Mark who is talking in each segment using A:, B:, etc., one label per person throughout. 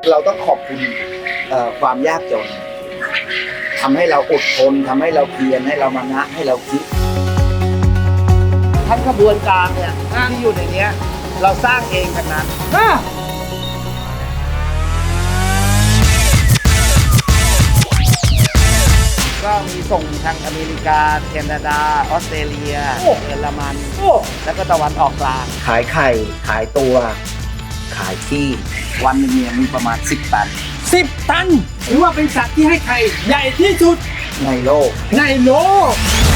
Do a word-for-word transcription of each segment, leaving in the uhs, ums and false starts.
A: เราต้องขอบคุณความยากจนทำให้เราอดทนทำให้เราเพียรให้เรามานะให้เราคิดทั้งกระบวนการเนี่ยที่อยู่ในนี้เราสร้างเองทั้งนั้นก็มีส่งทางอเมริกาแคนาดาออสเตรเลียเยอรมันแล้วก็ตะวันออกกลางขายไข่ขายตัวขายที่วันหนึงเนี่ยมีประมาณสิบตัน
B: สิบตันถือว่าเป็นสัตว์ที่ให้ไข่ใหญ่ที่สุด
A: ในโลก
B: ในโลก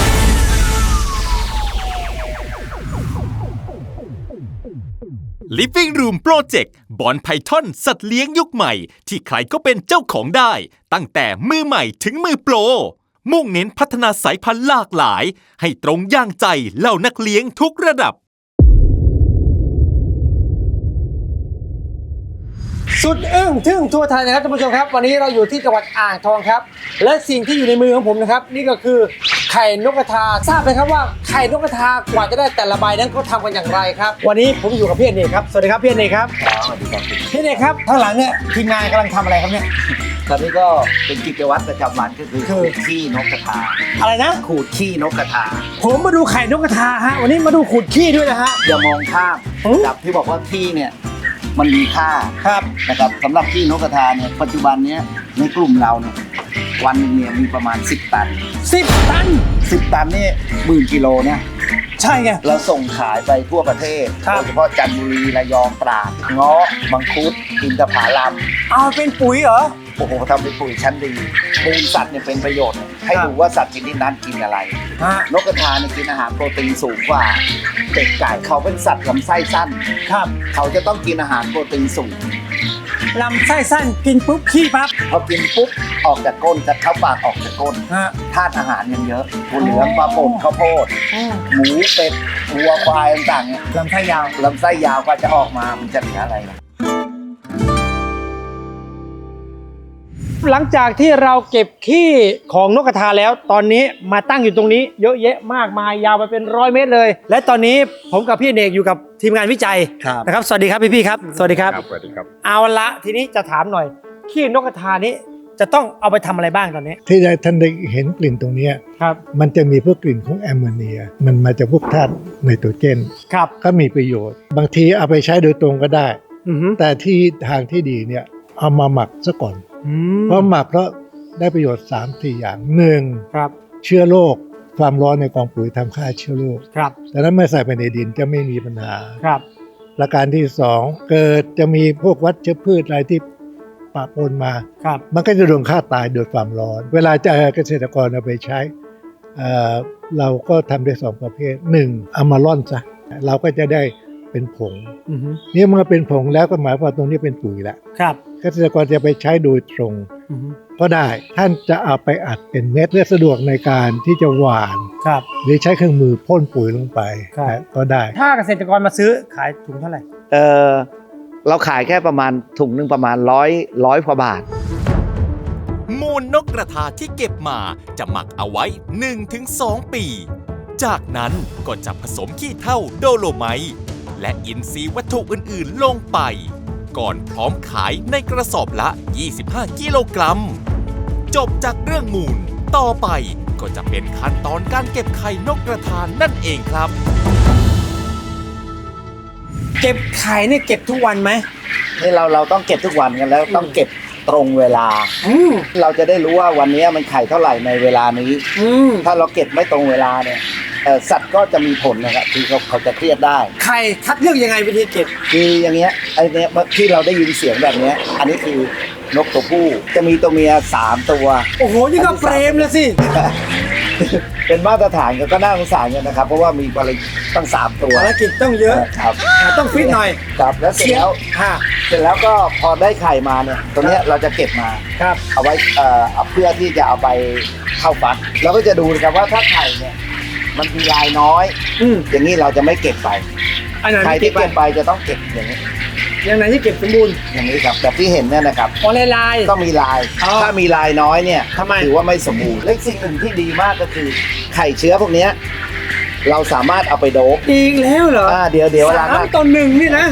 C: Living Room Project บอนไพทอนสัตว์เลี้ยงยุคใหม่ที่ใครก็เป็นเจ้าของได้ตั้งแต่มือใหม่ถึงมือโปรมุ่งเน้นพัฒนาสายพันธุ์หลากหลายให้ตรงย่างใจเหล่านักเลี้ยงทุกระดับ
B: สุดอึ้งทึ่งทั่วไทยนะครับท่านผู้ชมครับวันนี้เราอยู่ที่จังหวัดอ่างทองครับและสิ่งที่อยู่ในมือของผมนะครับนี่ก็คือไข่นกกระทาทราบไหมครับว่าไข่นกกระทากว่าจะได้แต่ละใบนั้นเขาทำกันอย่างไรครับวันนี้ผมอยู่กับพี่อเนกครับสวัสดีครับพี่อเนกครับ
A: สวัสดีครับ
B: พี่อเนกครับข้างหลังเนี่ยทีมงานกำลังทำอะไรครับเนี่ย
A: ตอนนี้ก็เป็นกิจวัตรประจำวันก็คือขูดขี้นกกระทา
B: อะไรนะ
A: ขูดขี้นกกระทา
B: ผมมาดูไข่นกกระทาฮะวันนี้มาดูขูดขี้ด้วยนะฮะ
A: อย่ามองข้ามกับที่บอกว่าขี้เนี่ยมันมีค่า
B: ครับ
A: นะครับสำหรับขี้นกกระทาเนี่ยปัจจุบันนี้ในกลุ่มเราเนี่ยวันนึงเนี่ยมีประมาณสิบตัน
B: สิบตัน
A: สิบตันนี่หมื่นกิโลเนี่ย
B: ใช่ไง
A: เราส่งขายไปทั่วประเทศโดยเฉพาะจันทบุรีระยองตราดเงาะมังคุดอินทผลัม
B: เอาเป็นปุ๋ยเหรอ
A: โอ้โหทำเป็นปุ๋ยชั้นดีมูลสัตว์เนี่ยเป็นประโยชน์ให้ดูว่าสัตว์ชนิดนั้นกินอะไรนกกระทาเนี่ยกินอาหารโปรตีนสูงกว่าเป็ดไก่เขาเป็นสัตว์ลำไส้สั้น
B: ครับ
A: เขาจะต้องกินอาหารโปรตีนสูง
B: ลำไส้สั้นกินปุ๊บขี้ปั๊บ
A: พอกินปุ๊บออกจากก้นจะเข้าปากออกจากก้นธาตุอาหารยังเยอะถั่วเหลืองปลาป่นข้าวโพดหมูเป็ดวัวควายต่างๆเนี่ย
B: ลำไส้ยาว
A: ลำไส้ยาวก็จะออกมามันจะเหลืออะไรนะ
B: หลังจากที่เราเก็บขี้ของนกกระทาแล้วตอนนี้มาตั้งอยู่ตรงนี้เยอะแยะมากมายยาวไปเป็นร้อยเมตรเลยและตอนนี้ผมกับพี่เอกอยู่กับทีมงานวิจัยนะครับสวัสดีครับพี่พี่ครับสวัสดีครับ
D: สวัสดีครับ
B: เอาละทีนี้จะถามหน่อยขี้นกกระทานี้จะต้องเอาไปทำอะไรบ้างตอนนี้
D: ที่ท่านได้เห็นกลิ่นตรงนี้
B: ครับ
D: มันจะมีพวกกลิ่นของแอมโมเนียมันมาจากพวกธาตุไนโตรเจน
B: ครับ
D: ก็มีประโยชน์บางทีเอาไปใช้โดยตรงก็ได้แต่ที่ทางที่ดีเนี่ยเอามาหมักซะก่อนเพราะหมักเพราะได้ประโยชน์ สามสี่ อย่างหนึ่ง
B: ครับ
D: เชื้อโรคความร้อนในกองปุ๋ยทำฆ่าเชื้อโรค
B: ครับ
D: ดังนั้นเมื่อใส่ไปในดินจะไม่มีปัญหา
B: ครับ
D: ประการที่สองเกิดจะมีพวกวัชพืชอะไรที่ปะปนมา
B: ครับ
D: มันก็จะโดนฆ่าตายโดยความร้อนเวลาจะเกษตรกรเอาไปใช้เอ่อเราก็ทำได้สองประเภทหนึ่งเอามาร่อนซะเราก็จะได้เป็นผงนี่เมื่อเป็นผงแล้วก็หมายความว่าตรงนี้เป็นปุ๋ยแล้ว
B: ครับ
D: เกษตรกรจะไปใช้โดยตรงก็ได้ท่านจะเอาไปอัดเป็นเม็ดเพื่อสะดวกในการที่จะหว่าน
B: ครับ
D: หรือใช้เครื่องมือพ่นปุ๋ยลงไปก็ได้
B: ถ้าเกษตรกรมาซื้อขายถุงเท่าไหร่
A: เออเราขายแค่ประมาณถุงนึงประมาณร้อยร้อยกว่าบาท
C: มูลนกกระทาที่เก็บมาจะหมักเอาไว้ หนึ่งถึงสอง ปีจากนั้นก็จะผสมขี้เถ้าโดโลไมต์และอินทรีย์วัตถุอื่นๆลงไปก่อนพร้อมขายในกระสอบละยี่สิบห้ากิโลกรัมจบจากเรื่องมูลต่อไปก็จะเป็นขั้นตอนการเก็บไข่นกกระทานั่นเองครับ
B: เก็บไข่เนี่ยเก็บทุกวันไหม
A: นี่เราเราต้องเก็บทุกวันกันแล้วต้องเก็บตรงเวลาเราจะได้รู้ว่าวันนี้มันไข่เท่าไหร่ในเวลานี้ถ้าเราเก็บไม่ตรงเวลาเนี่ยสัตว์ก็จะมีผลนะครับที่เขาเขาจะเครียดได้
B: ไข่คัดเลือกยังไงวิธีเก็บ
A: คืออย่างเงี้ยไอ้เนี้ยที่เราได้ยินเสียงแบบเนี้ยอันนี้คือนกตัวผู้จะมีตัวเมียสามตัว
B: โอ้โหนี่ก็เฟรมเลยสิ
A: เป็นมาตรฐานก็น่าสงสารกันนะครับเพราะว่ามีภารกิจตั้งสามตัว
B: ภารกิจต้องเยอะ
A: ครับ
B: ต้องฟิตหน่อย
A: ครับแล้วเสร็จแล้วเสร็จแล้วก็พอได้ไข่มาเนี่ยตัวเนี้ยเราจะเก็บมา
B: ครับ
A: เอาไว้เอ่อเพื่อที่จะเอาไปเข้าฟักเราก็จะดูนะครับว่าถ้าไข่เนี่ยมันมีลายน้อยอย่างนี้เราจะไม่เก็บไปไข่ที่เก็บไปจะต้องเก็บอย่างนี้
B: อย่างไหนที่เก็บสมบูรณ์
A: อย่างนี้ครับแบบที่เห็นเนี่ยนะครับ
B: อ๋อลายลาย
A: ต้องมีลายถ้ามีลายน้อยเนี่ยถือว่าไม่สมบูรณ์และสิ่งหนึ่งที่ดีมากก็คือไข่เชื้อพวกนี้เราสามารถเอาไปโดบ
B: อีกแล้วเหรอ
A: อ่าเดี๋ยวเดี๋ยว
B: สามต่อหนึ่งนี่นะ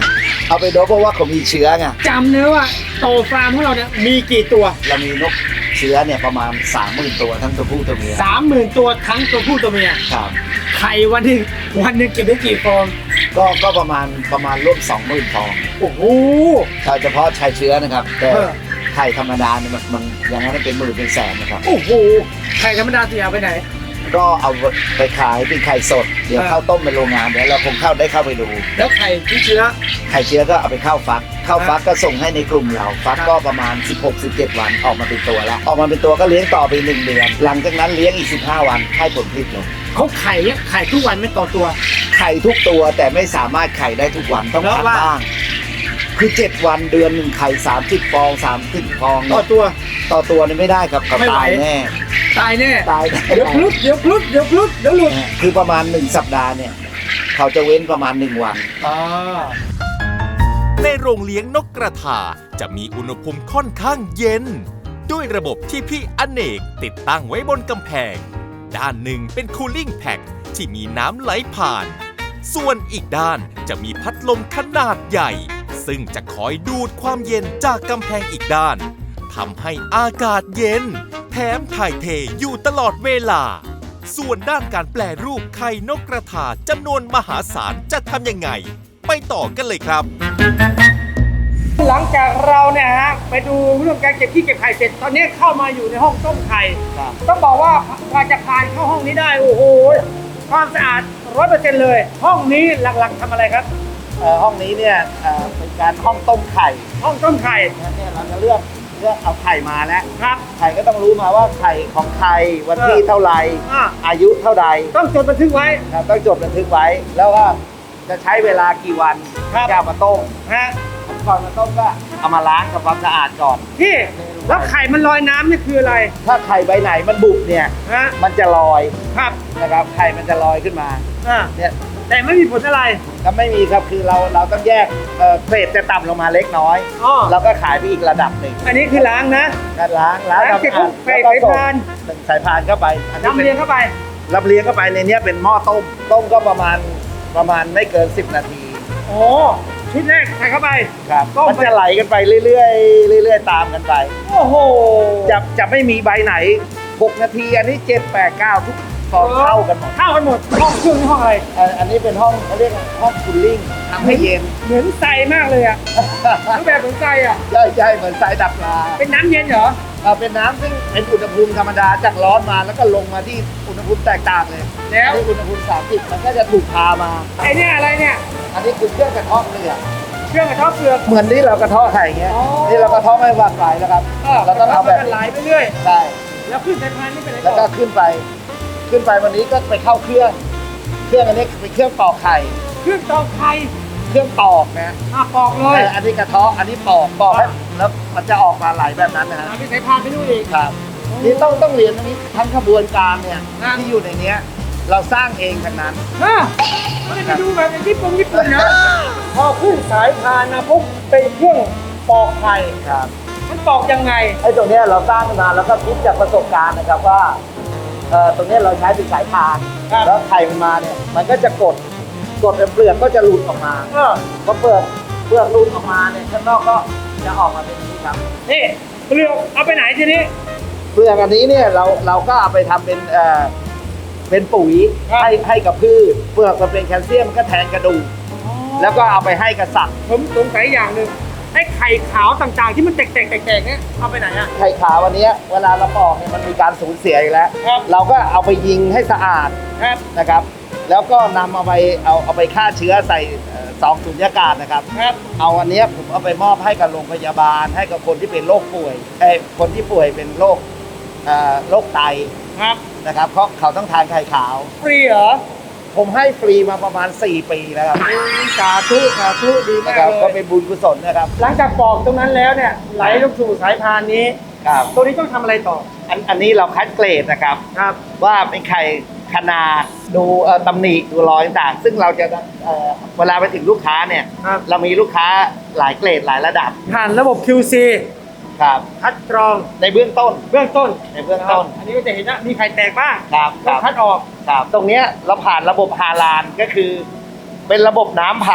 A: เอาไปโดบเพราะว่าเขามีเชื้อไง
B: จำเนื้อว่าโตฟาร์มของเราเนี่ยมีกี่ตัว
A: เรามีนกเชื้อเนี่ยประมาณสามหมื่นตัวทั้งตัวผู้ตัวเมีย
B: สามหมื่นตัวทั้งตัวผู้ตัวเมีย
A: ครับ
B: ไข่วันหนึ่งวันหนึ่งเก็บได้กี่ฟอง
A: ก็ก็ประมาณประมาณร่วมสองหมื่นฟอง
B: โอ้โห
A: ถ้าเฉพาะชายเชื้อนะครับแต่
B: เออ
A: ไข่ธรรมดาเนี่ยมันมันอย่างนั้นเป็นหมื่นเป็นแสนนะครับ
B: โอ้โหไข่ธรรมดาเสียไปไหน
A: ก็เอาไปขายเป็นไข่สดเดี๋ยว
B: เออ
A: เข้าต้มเป็นโรงงานเดี๋ยวเราคงเข้าได้เข้าไปดู
B: แล้วไข่ที่เชื้อ
A: ไข่เชื้อก็เอาไปเข้าฟัก เข้าฟักก็ส่งให้ในกลุ่มเรา ฟัก
B: ครับ
A: ก็ประมาณ สิบหกสิบเจ็ด วันออกมาเป็นตัวแล้ว ออกมาเป็นตัวก็เลี้ยงต่อไปหนึ่งเดือน หลังจากนั้นเลี้ยงอีกสิบห้าวันให้ผลผลิตเลย
B: เขาไข่เนี่ยไข่ทุกวันไม่ต่อตัว
A: ไข่ทุกตัวแต่ไม่สามารถไข่ได้ทุกวันต้อง
B: เพ
A: พั
B: ราะ
A: ก
B: ว่า
A: บ้าง คือเจ็ดวันเดือนหนึ่งไข่สามสิบฟองสามสิบฟอง
B: ต่อตัว
A: ต่อตัวนี่ไม่ได้ครับเขา
B: ไม่ไหว
A: ตายแน่
B: ตายแน่
A: ตายแน่
B: เดี๋ยวพลุดเดี๋ยวพลุดเดี๋ยวพลุดเดี๋ยวหลุด
A: คือประมาณหนึ่งสัปดาห์เนี่ยเขาจะเว้นประมาณหนึ่งวัน
B: อ๋อ
C: ในโรงเลี้ยงนกกระทาจะมีอุณหภูมิค่อนข้างเย็น ด้วยระบบที่พี่อเนกติดตั้งไว้บนกำแพง ด้านหนึ่งเป็นคูลิ่งแพ็กที่มีน้ำไหลผ่าน ส่วนอีกด้านจะมีพัดลมขนาดใหญ่ ซึ่งจะคอยดูดความเย็นจากกำแพงอีกด้านทำให้อากาศเย็น แถมถ่ายเทอยู่ตลอดเวลา ส่วนด้านการแปลรูปไข่นกกระทาจำนวนมหาศาลจะทำยังไง ไปต่อกันเลยครับ
B: หลังจากเราเนี่ยฮะไปดูเรื่องการเก็บขี้เก็บไข่เสร็จตอนนี้เข้ามาอยู่ในห้องต้มไข่
A: ครับ
B: ต้องบอกว่ากว่าจะผ่านเข้าห้องนี้ได้โอ้โหความสะอาดร้อยเปอร์เซ็นต์เลย ห้องนี้หลักๆทำอะไรครับ
A: เอ่อห้องนี้เนี่ยเอ่อเป็นการห้องต้มไข่
B: ห้องต้มไข่
A: เนี่ยเราจะเลือกเลือกเอาไข่มาแล้ว
B: ครับ
A: ไข่ก็ต้องรู้มาว่าไข่ของใครวันที่
B: เออ
A: เท่าไหร่
B: อ่า
A: อายุเท่าใด
B: ต้องจดบันทึกไว้
A: นะครับต้องจดบันทึกไว้ แล้วว่าจะใช้เวลากี่วัน
B: ครับ
A: จะเอามาต้ม
B: ฮะ
A: ก่อนมาต้มก็เอามาล้างกับความสะอาดก่อน
B: พี่แล้วไข่มันลอยน้ำนี่คืออะไร
A: ถ้าไข่ใบไหนมันบุบเนี่ย
B: ฮะ
A: มันจะลอย
B: ครับ
A: นะครับไข่มันจะลอยขึ้นมา
B: อ่า
A: เนี่ย
B: แต่ไม่มีผลอะไร
A: ก็ไม่มีครับคือเราเราต้องแยกเอ่อเกรดจะต่ำลงมาเล็กน้อย
B: อ๋อ
A: เราก็ขายไปอีกระดับหนึ่ง
B: อันนี้คือล้างนะ
A: ก็ล้างล้าง
B: ล้างเสร็จปุ๊บใส่
A: แล้วก็
B: สายพาน
A: ส่งสายพานเข้าไปอันนี้
B: น้ำ
A: เป็น
B: เลี้ยงเข้าไป
A: รับเลี้ยงเข้าไปในเนี้ยเป็นหม้อต้ม ต้มก็ประมาณประมาณไม่เกิน สิบ นาที
B: โอ้ชุดแรกใส่เข้าไป
A: ครับ
B: ต้ม
A: มัน
B: ไป
A: จะไหลกันไปเรื่อยๆเรื่อยๆตามกันไป
B: โอ้โห
A: จะจะไม่มีใบไหน หก นาที อันนี้ เจ็ด แปด เก้า ทุกฟองเข้ากันหมด
B: เข้ากันหมดห้องเครื่องนี่ห้องอะไร
A: เอ่ออันนี้เป็นห้องเขาเรียกว่าห้องคูลลิ่งทำให้เย็น
B: เหมือนใสมากเลยอ่ะรูปแบบเหมือนใสอ่ะ
A: ใช่ใช่เหมือนสายดับปลา
B: เป็นน้ำเย็นเหรอ
A: เอ่อเป็นน้ำซึ่งเป็นอุณหภูมิธรรมดาจากร้อนมาแล้วก็ลงมาที่อุณหภูมิแตกต่างเลย
B: แล้ว
A: อันนี้อุณหภูมิสามสิบมันก็จะถูกพามา
B: ไอเนี่ยอะไรเนี่ย
A: อันนี้คือเครื่องกระเทาะเกลือ
B: เครื่องกระเทาะเปลือก
A: เหมือนที่เรากระเทาะไข่อย่างเงี้ย
B: อ๋อ
A: นี่เรากระเทาะไม่วางไหลแล้วครับ เราต้องเอาแบบ
B: มันไหลไปเรื่อย
A: ใช่
B: แล้วขึ้นสายพานนี่เป็นอะไร
A: แล้ว
B: ต่
A: ก็
B: อ
A: ขึ้นไป ขึ้นไปวันนี้ก็ไปเข้าเครื่อง เครื่องอันนี้เป็นเครื่องปอกไข่
B: เครื่องตอกไข่
A: เครื่องปอกนะ
B: อ่ะปอกเลย
A: แต่อันนี้กระเทาะอันนี้ปอกปอกให้แล้วมันจะออกมาไหลแบบนั้นนะฮะ
B: เอาไปสายพานไปนู่นอีก
A: ครับนี่ต้องต้องเรียนตรงนี้ทั้งขบวนการเนี่ย
B: ครับ
A: ที่อยู่ในเนี้ยเราสร้างเองทั้งนั้น
B: ฮะไม่ได้ไปดูแบบในญี่ปุ่นญี่ปุ่นนะพอขึ้นสายพานนะปุ๊บเป็นเครื่องปอกไข่
A: ครับ
B: มันปอกยังไง
A: ไอ้ตรงเนี้ยเราสร้างขึ้นมาแล้วก็คิดจากประสบการณ์นะครับว่าเอ่อตรงเนี้ยเราใช้เป็นสายพาน
B: ครับ
A: แล้วไข่มันมาเนี่ยมันก็จะกดกดเปลือกก็จะหลุดออกมา
B: เออ
A: พอเปลือกเปลือกหลุดออกมาเนี่ยข้างนอกก็จะออกมาเป็นอย่างนี้ครับ
B: นี่เปลือกเอาไปไหนทีนี้
A: เปลือกอันนี้เนี่ยเราเราก็เอาไปทำเป็นเอ่อเป็นปุ๋ย
B: ครับ
A: ให้ให้กับพืชเปลือกมันเป็นแคลเซียมมันก็แทนกระดูกแล้วก็เอาไปให้กับสัตว์
B: ผมสงสัยอย่างหนึ่งไอ้ไข่ขาวต่างๆ ที่มันแตกๆแตกๆเนี่ยเอาไปไหนอ่ะ
A: ไข่ขาววันนี้เวลาเราปอกเนี่ยมันมีการสูญเสียอีกแล้ว
B: ครับ
A: เราก็เอาไปยิงให้สะอาด
B: ครับ
A: นะครับ แล้วก็นำเอาไปเอาเอาไปฆ่าเชื้อใส่เอ่อซองสุญญากาศนะครับ
B: ครับ
A: เอาอันเนี้ยผมเอาไปมอบให้กับโรงพยาบาล ให้กับคนที่เป็นโรคป่วยเอ้ยคนที่ป่วยเป็นโรคเอ่อโรคไต
B: ครับ
A: นะครับเพราะเขาต้องทานไข่ขาว
B: ฟรีเหรอ
A: ผมให้ฟรีมาประมาณ สี่ ปีแล้วครับ
B: สาธุสาธุดีมา
A: นะ
B: ก
A: ครับ
B: เล
A: ก็
B: ย
A: เป็นบุญกุศลนะครับ
B: หลังจากปอกตรงนั้นแล้วเนี่ยไหลลงสู่สายพานนี้
A: ครับ
B: ตัวนี้ต้องทำอะไรต่อ
A: อันอันนี้เราคัดเกรดนะครับ
B: ครับ
A: ว่าเป็นไข่ขนาดดูเอ่อตำหนิดูรอยต่างๆซึ่งเราจะเอ่อเวลาไปถึงลูกค้าเนี่ย
B: ครับ
A: เรามีลูกค้าหลายเกรดหลายระดับ
B: ผ่านระบบ คิว ซี
A: ครับ
B: คัดกรอง
A: ในเบื้องต้น
B: เบื้องต้น
A: ในเบื้องต้น
B: อันนี้ก็จะเห็นว่ามีไข่แตกบ้าง
A: ครับค
B: ต้อ
A: รั
B: ง
A: บ
B: คัดออก
A: ครับตรงเนี้ยเราผ่านระบบฮาลาลก็คือ เป็นระบบน้ำผ่าน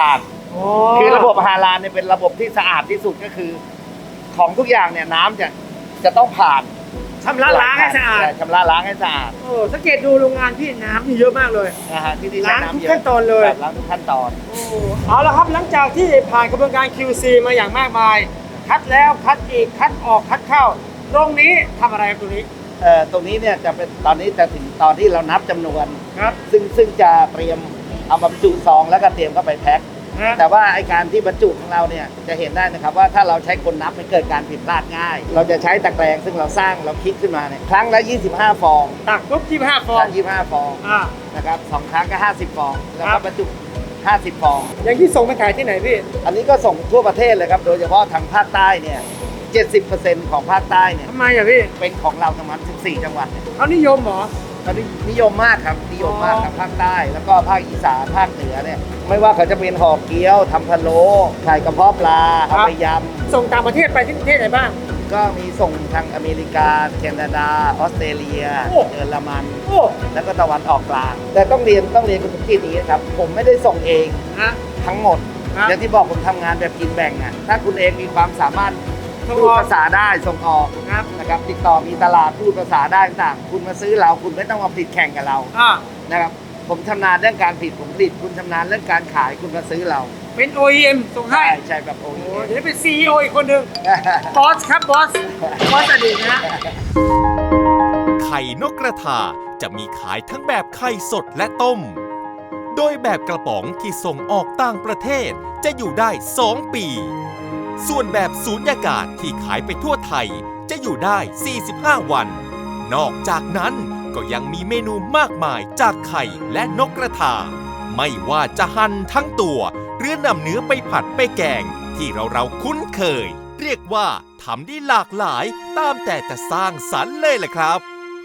A: คือระบบฮาลาลเนี่ยเป็นระบบที่สะอาดที่สุดก็คือ ของทุกอย่างเนี่ยน้ำจะจะต้องผ่าน
B: ชำระล้างให้สะอาด
A: ชำระล้างให้สะอาด
B: โอ้สังเกตดูโรงงานพี่น้ำมีเยอะมากเลย
A: นะฮะที่นี่ใช้
B: ล้างทุก
A: น้ำเยอะ
B: ขั้นตอนเลย
A: ครับล้างทุกขั้นตอน
B: เอาละครับหลังจากที่ผ่านกระบวนการ คิว ซี มาอย่างมากมาย คัดแล้วคัดอีกคัดออกคัดเข้า ตรงนี้ทำอะไรครับตรงนี้
A: เอ่อตรงนี้เนี่ยจะเป็นตอนนี้จะถึงตอนที่เรานับจำนวน
B: ครับ
A: ซึ่งซึ่งจะเตรียมเอามาบรรจุซองแล้วก็เตรียมเข้าไปแพ็ค
B: นะ
A: แต่ว่าไอการที่บรรจุของเราเนี่ยจะเห็นได้นะครับว่าถ้าเราใช้คนนับมันเกิดการผิดพลาดง่าย เราจะใช้ตะแกรงซึ่งเราสร้างเราคิดขึ้นมาเนี่ยครั้งละยี่สิบห้าฟอง
B: ตักปุ๊บยี่สิบห้าฟ
A: ฟ
B: อ
A: อง งยี่สิบห้าฟอง
B: อ่า
A: นะครับสองครั้งก็ห้าสิบฟองแล้ว
B: ครั
A: ก็
B: บ
A: บรรจุห้าสิบฟอง
B: อย่างที่ส่งไปขายที่ไหนพี่
A: อันนี้ก็ส่งทั่วประเทศเลยครับโดยเฉพาะทางภาคใต้เนี่ยเจ็ดสิบเปอร์เซ็นต์ของภาคใต้เนี่ย
B: ทำไมอ่ะพี่
A: เป็นของเราทั้งหมดสิบสี่จังหวัดเนี่ย
B: เขานิยมเหรอ
A: ตอนนี้นิยมมากครับนิยมมากทางภาคใต้ แล้วก็ภาคอีสานภาคเหนือเนี่ยไม่ว่าเขาจะเป็นห่อเกี๊ยวทำพะโล้ไข่กระเพาะปลา
B: ครั
A: เอา
B: บ
A: ไปย
B: ส่งต่างประเทศไปที่ประเทศไหนบ้าง
A: ำก็มีส่งทางอเมริกาแคนาดาออสเตรเลีย
B: โอ้
A: เยอรมัน
B: โอ้
A: แล้วก็ตะวันออกกลาง แต่ต้องเรียนต้องเรียนคุณที่นี้นะครับผมไม่ได้ส่งเอง
B: ฮะ
A: ทั้งหมด
B: ครับ
A: อย่างที่บอกผมทำงานแบบกินแบ่งอ่ะถ้าคุณเองมีความสามารถ
B: ส่ง
A: พูด
B: ออก
A: ภาษาได้ส่งออก
B: ครับ
A: นะครับติดต่อมีตลาดพูดภาษาได้ต่างๆคุณมาซื้อเราคุณไม่ต้องมาผลิตแข่งกับเรา
B: อ่า
A: นะครับผมชำนาญเรื่องการผลิตผมผลิตคุณชำนาญเรื่องการขายคุณมาซื้อเรา
B: เป็น โอ อี เอ็ม ส่งให้
A: ใช่ใช่แบบโอ้
B: โอ้
A: โห
B: โหเดี๋ยวเป็น ซี อี โอ อีกคนหนึ่งบอสครับบอส บอสอดีตนะ
C: ไข่นกกระทาจะมีขายทั้งแบบไข่สดและต้ม โดยแบบกระป๋องที่ส่งออกต่างประเทศจะอยู่ได้ สอง ปี ส่วนแบบสูญญากาศที่ขายไปทั่วไทยจะอยู่ได้ สี่สิบห้า วัน นอกจากนั้นก็ยังมีเมนูมากมายจากไข่และนกกระทา ไม่ว่าจะหั่นทั้งตัวหรือนำเนื้อไปผัดไปแกงที่เราเราๆคุ้นเคย เรียกว่าทำได้หลากหลายตามแต่จะสร้างสรรค์เลยแหละครับ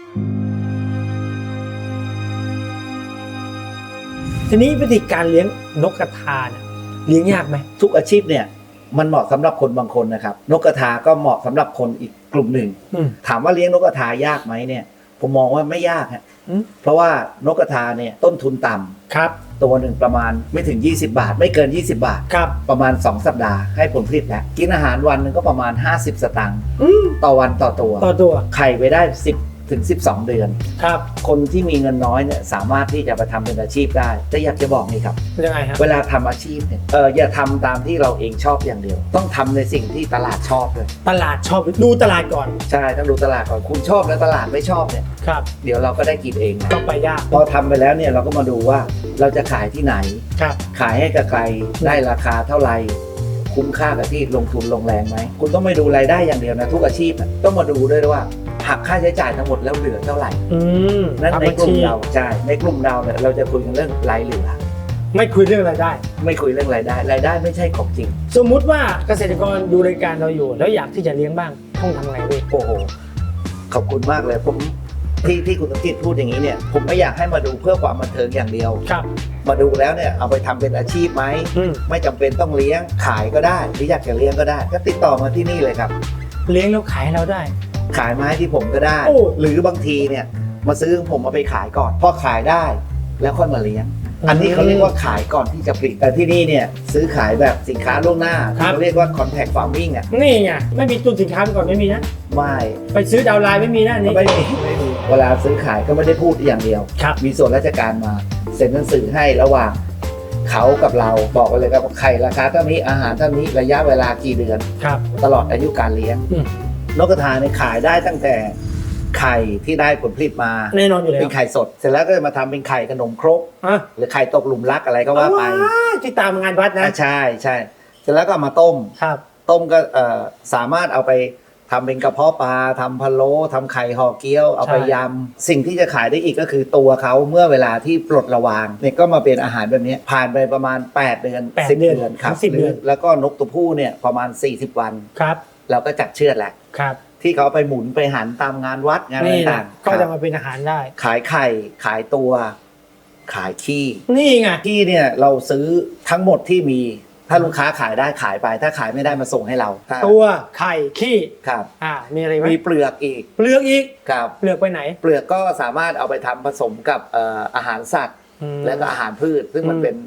B: ทีนี้วิธีการเลี้ยงนกกระทาเนี่ยเลี้ยงยากไหม
A: ทุกอาชีพเนี่ยมันเหมาะสำหรับคนบางคนนะครับนกกระทาก็เหมาะสำหรับคนอีกกลุ่มหนึ่ง
B: อืม
A: ถามว่าเลี้ยงนกกระทายากไหมเนี่ยผมมองว่าไม่ยากฮะ
B: อืม
A: เพราะว่านกกระทาเนี่ยต้นทุนต่ำ
B: ครับ
A: ตัวหนึ่งประมาณไม่ถึง ยี่สิบบาท ไม่เกิน ยี่สิบบาท
B: ครับ
A: ประมาณ สอง สัปดาห์ให้ผลผลิตแล้วกินอาหารวันหนึงก็ประมาณ ห้าสิบ สตางค์
B: อืม
A: ต่อวันต่อตัว
B: ต่อตัว
A: ไข่ไปได้ สิบ ถึง สิบสอง เดือน
B: ครับ
A: คนที่มีเงินน้อยเนี่ยสามารถที่จะไปทำเป็นอาชีพได้แต่อยากจะบอกนี่ครับ
B: ยังไงฮะ
A: เวลาทำอาชีพเนี่ยเอออย่าทำตามที่เราเองชอบอย่างเดียว ต้องทำในสิ่งที่ตลาดชอบเลย
B: ตลาดชอบดูตลาดก่อน
A: ใช่ต้องดูตลาดก่อนคุณชอบแล้วตลาดไม่ชอบเนี่ย
B: ครับ
A: เดี๋ยวเราก็ได้กินเองนะ
B: ต้องไปยาก
A: พอทำไปแล้วเนี่ยเราก็มาดูว่าเราจะขายที่ไหน
B: ครับ
A: ขายให้กับใครได้ราคาเท่าไหร่คุ้มค่ากับที่ลงทุนลงแรงไหมคุณต้องไม่ดูรายได้อย่างเดียวนะทุกอาชีพน่ะต้องมาดูด้วยว่าหักค่าใช้จ่ายทั้งหมดแล้วเหลือเท่าไหร่
B: อืม
A: นั่น
B: ทำ
A: ใน
B: บัญ
A: กลุ่
B: ชี
A: มเราใช่ในกลุ่มเราเนี่ยเราจะคุยกันเรื่องรายเหลือ
B: ไม่คุยเรื่องรายได้
A: ไม่คุยเรื่องรายได้รายได้ไม่ใช่ของจริง
B: สมมุติว่าเกษตรกรดูรายการเราอยู่ แล้วอยากที่จะเลี้ยงบ้างต้องทำไงพี่
A: โอ้โหขอบคุณมากเลยผมที่ที่คุณสมจิตพูดอย่างนี้เนี่ยผมไม่อยากให้มาดูเพื่อความบันเทิงอย่างเดียว
B: ครับ
A: มาดูแล้วเนี่ยเอาไปทำเป็นอาชีพไหม
B: อืม
A: ไม่จำเป็นต้องเลี้ยงขายก็ได้หรืออยากจะเลี้ยงก็ได้ ก็ติดต่อมาที่นี่เลยครับ
B: เลี้ยงแล้วขายให้เราได้
A: ขายไม้ที่ผมก็ได้
B: โอ้
A: หรือบางทีเนี่ยมาซื้อของผมเอาไปขายก่อนพอขายได้แล้วค่อยมาเลี้ยง อันนี้เขาเรียกว่าขายก่อนที่จะผลิตแต่ที่นี่เนี่ยซื้อขายแบบสินค้าล่วงหน้า
B: ครับ
A: เขาเรียกว่า contact farming อ่ะ
B: นี่ไงไม่มีตุนสินค้าไปก่อนไม่มีนะ
A: ไม่
B: ไปซื้อดาวน์ไลน์ไม่มีนะอันนี้
A: ไม่มีไม่มีเวลาซื้อขายก็ไม่ได้พูดอย่างเดียว
B: ครับ
A: มีส่วนราชการมาเซ็นหนังสือให้ระหว่างเขากับเราบอกกันเลยครับว่าไข่ราคาเท่านี้อาหารเท่านี้ระยะเวลากี่เดือน
B: ครับ
A: ตลอดอายุการเลี้ยง
B: อืม
A: นกกระทาเนี่ยขายได้ตั้งแต่ไข่ที่ได้ผลผลิตมา
B: แน่นอนอยู่แล้
A: เป็
B: วน
A: ไข่สด เสร็จแล้วก็มาทำเป็นไข่ขนมครก
B: อ่ะ
A: หรือไข่ตกหลุมรักอะไรก็ว่าไป
B: ว้าวที่ตามงานวัดนะ
A: อ่ะใช่ใช่เสร็จแล้วก็เอามาต้ม
B: ครับ
A: ต้มก็เอ่อสามารถเอาไปทำเป็นกระเพาะปลาทำพะโล้ทำไข่ห่อเกี๊ยวเอาไป
B: ใช่
A: ยำสิ่งที่จะขายได้อีกก็คือตัวเขาเมื่อเวลาที่ปลดระวางเนี่ยก็มาเป็นอาหารแบบนี้ผ่านไปประมาณแปดเดือน
B: แปด
A: สิบ
B: เดือน
A: เดือนครับ
B: ถึงสิบเดือน
A: แล้วก็นกตัวผู้เนี่ยประมาณสี่สิบวัน
B: ครับ
A: เราก็จัดเชือดแหละ
B: ครับ
A: ที่เขาเอาไปหมุนไปหันตามงานวัดงานอะไร
B: นี่
A: ต่า
B: นะ
A: งๆ
B: ก็
A: ค
B: จะ
A: รับ
B: มาเป็นอาหารได้
A: ขายไข่ขายตัว ขายขี้
B: นี่ไง
A: ขี้เนี่ยเราซื้อทั้งหมดที่มีถ้าลูกค้าขายได้ขายไป ถ้าขายไม่ได้มาส่งให้เราครับ
B: ตัวไข่ขี้
A: ครับ
B: อ่ามีอะไรไหม
A: มีเปลือกอีก
B: เปลือกอีก
A: ครับ
B: เปลือกไปไหน
A: เปลือกก็สามารถเอาไปทำผสมกับเอ่ออาหารสัตว์
B: อืม
A: และก็อาหารพืช ซึ่งมัน
B: อืม
A: เป็น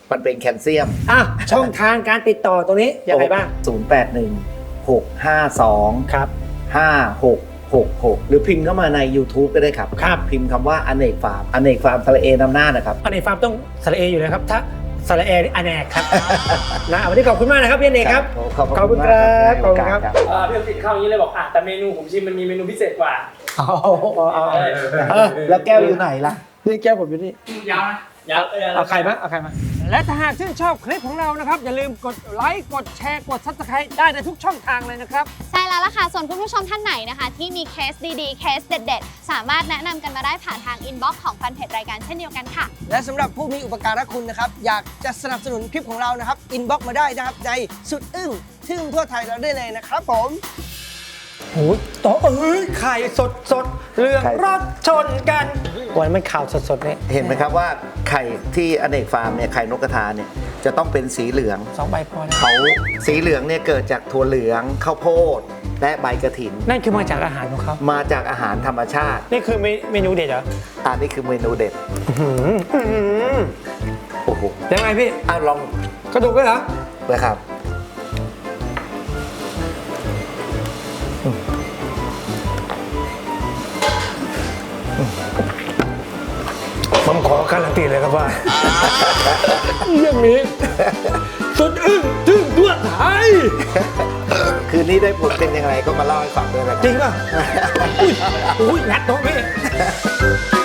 A: มันเป็นแคลเซียม
B: อ่ะช่องทางการติดต่อตรงนี้ยังไงบ้าง
A: ศูนย์ แปด หนึ่ง หก ห้า สอง
B: ครับ
A: ห้า หก หก หก หรือพิมพ์เข้ามาใน YouTube ก็ได้ครับ
B: ครับ
A: พิมพ์คำว่าอเนกฟาร์มอเนกฟาร์มสระเอนำหน้านะครับ
B: อันนี้ฟาร์มต้องสระเออยู่นะครับถ้าสระเอนี่อเนกครับ นะวันนี้ขอบคุณมากนะครับพี่อเนกครับ
A: ขอบ
B: ขอบ
A: คุ
B: คุณ
A: ณ
B: ค
A: มาก
B: รับ
A: ให้
B: ขอบ
A: โอ
B: คุณ
A: กาส
B: ครับ
A: ครับ
E: เออพี่อภิสิทธิ์เข้าอย่างนี้เลยบอกอ่ะแต่เมนูผมชิมมันมีเมนูพิเศษกว่า
B: อ๋ออ๋ออ๋อ
A: เออแล้วแก้วอยู่ไหนล่ะ
B: นี่แก้วผมอยู่นี่
E: ยาวนะยาว
B: เอาใครมาเอาใครมา และถ้าหากชื่นชอบคลิปของเรานะครับ อย่าลืมกดไลค์กดแชร์กดซับสไครต์ได้ในทุกช่องทางเลยนะครับ
F: ใช่แล้วล่ะค่ะ ส่วนคุณผู้ชมท่านไหนนะคะ ที่มีเคสดีๆ เคสเด็ดๆ สามารถแนะนำกันมาได้ผ่านทางอินบ็อกซ์ของแฟนเพจรายการเช่นเดียวกันค่ะ
G: และสำหรับผู้มีอุปการะคุณนะครับ อยากจะสนับสนุนคลิปของเรานะครับ อินบ็อกมาได้นะครับ ในสุดอึ้งทึ่งทั่วไทยเราได้เลยนะครับผม
B: โอ้ยต่อเอ้ยไข่สดสดเรื่อง
A: ไข่
B: รักชนกันวันมันข่าวสดสดๆเนี่ย
A: เห็นไหมครับว่าไข่ที่อเนกฟาร์มเนี่ยไข่นกกระทาเนี่ยจะต้องเป็นสีเหลือง
B: สองใบพอแล้ว
A: เขาสีเหลืองเนี่ยเกิดจากถั่วเหลืองข้าวโพดและใบกระถิน
B: นั่นคือมาจากอาหารของเขา
A: มาจากอาหารธรรมชาติ
B: นี่คือเมนูเด็ดเหรอ
A: อันนี้คือเมนูเด็ด
B: อื้อหืออื้อหือ
A: โอ้โห
B: ยังไงพี่
A: อ่ะลอง
B: กระดูกด้วยเหรอ
A: เลยครับ
B: ผมขอการันตีเลยครับว่า เรื่องนี้สุดอึ้งทึ่งทั่วไทย
A: คืนนี้ได้ผลเป็นยังไงก็มาเล่าให้ฟังด้วยนะครับ
B: จริงป่ะ อุ้ยอุ้ยงัดโต๊ะพี่